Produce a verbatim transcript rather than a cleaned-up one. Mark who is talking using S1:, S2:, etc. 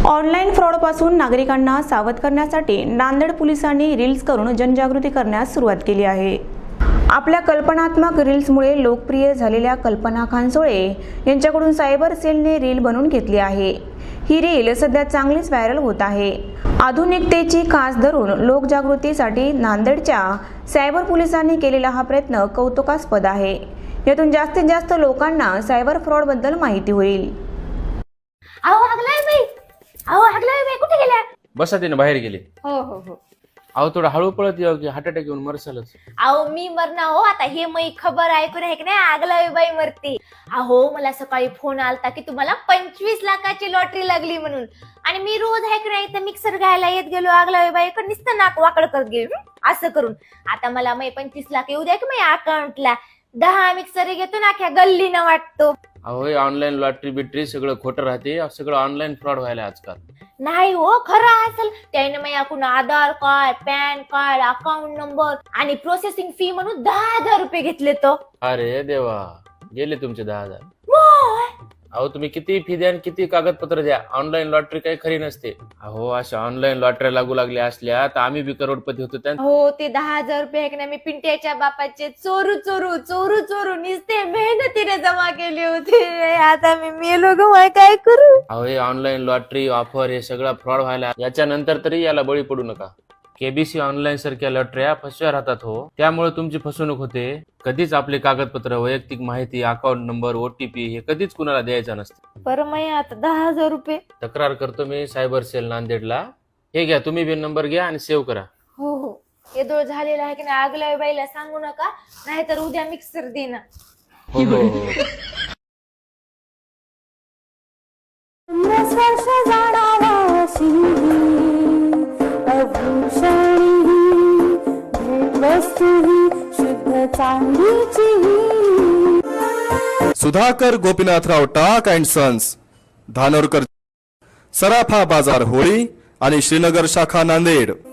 S1: Online फ्रॉडपासून नागरिकांना सावध करण्यासाठी नांदेड पोलिसांनी रील्स करून जनजागृती करण्यास सुरुवात केली आहे। आपल्या कल्पनात्मक रील्समुळे लोकप्रिय झालेल्या कल्पना खानसोळे यांच्याकडून सायबर सेलने रील बनवून घेतली आहे। ही रील सध्या चांगलीच व्हायरल होत आहे। आधुनिकतेची कास धरून लोकजागृतीसाठी नांदेडच्या सायबर पोलिसांनी केलेला हा प्रयत्न कौतुकास्पद आहे। यातून जास्तीत जास्त लोकांना सायबर फ्रॉड बद्दल माहिती होईल।
S2: अहो हगलाय बाई, अहो हगलाय बाई, कुठे गेल्या?
S3: बसा तिने बाहेर गेले।
S2: हो हो हो
S3: अहो थोडं हळू पळत येऊ की हार्ट अटॅक येऊन मरसालच।
S2: अहो मी मरना हो, आता हे मी खबर ऐकून आहे की नाही, आगलावी बाई मरते। अहो मला सकाळी फोन आलता की तुम्हाला पंचवीस लाखाची लॉटरी लागली म्हणून, आणि मी रोज आहे की नाही तर मिक्सर घ्यायला येत गेलो आगलावी बाईकडे, नुसतं नाक वाकड करत गेलो असं करून। आता मला मी पंचवीस लाख येऊ द्या की मी अकाउंटला दहा मिक्सर घेतो ना, अख्या गल्लीनं वाटतो।
S3: अहो ऑनलाईन लॉटरी बिटरी सगळं खोटं राहते, सगळं ऑनलाईन फ्रॉड व्हायला आजकाल।
S2: नाही हो, खरं असेल त्याने मी आपण Aadhaar card, PAN card, account number आणि प्रोसेसिंग फी म्हणून दहा हजार रुपये घेतले तो।
S3: अरे देवा, गेले तुमचे दहा हजार।
S2: मोय.
S3: अहो तुम्ही किती फी द्या आणि किती कागदपत्र द्या, ऑनलाईन लॉटरी काही खरी नसते। अहो अशा ऑनलाईन लॉटरी लागू लागल्या असल्या तर आम्ही बी करोडपती होतो त्या।
S2: हो ते दहा हजार रुपये आहे की नाही, मी पिंट्याच्या बापाचे चोरू चोरू चोरू चोरू निसते मेहनतीने जमा केले होते। आता मी मेलो ग, मग काय करू?
S3: अहो हे ऑनलाईन लॉटरी ऑफर हे सगळं फ्रॉड व्हायला, याच्यानंतर तरी याला बळी पडू नका। केबीसी ऑनलाईन सारख्या लॉटऱ्या फसव्या राहतात हो, त्यामुळे तुमची फसवणूक होते। कधीच आपले कागदपत्र, वैयक्तिक माहिती, अकाउंट नंबर, ओटीपी हे कधीच कुणाला द्यायचं नसतं।
S2: बरं मी आता दहा हजार रुपये
S3: तक्रार करतो मी सायबर सेल नांदेडला। हे घ्या, तुम्ही बी नंबर घ्या आणि सेव्ह करा।
S2: हो हो, येदोळ झालेला आहे की नाही, आगल्या बाईला सांगू नका, नाहीतर उद्या मिक्सर देणार।
S3: हो हो हो
S4: सुधाकर गोपीनाथराव टाक अँड सन्स, धानोरकर, सराफा बाजार होळी आणि श्रीनगर शाखा नांदेड।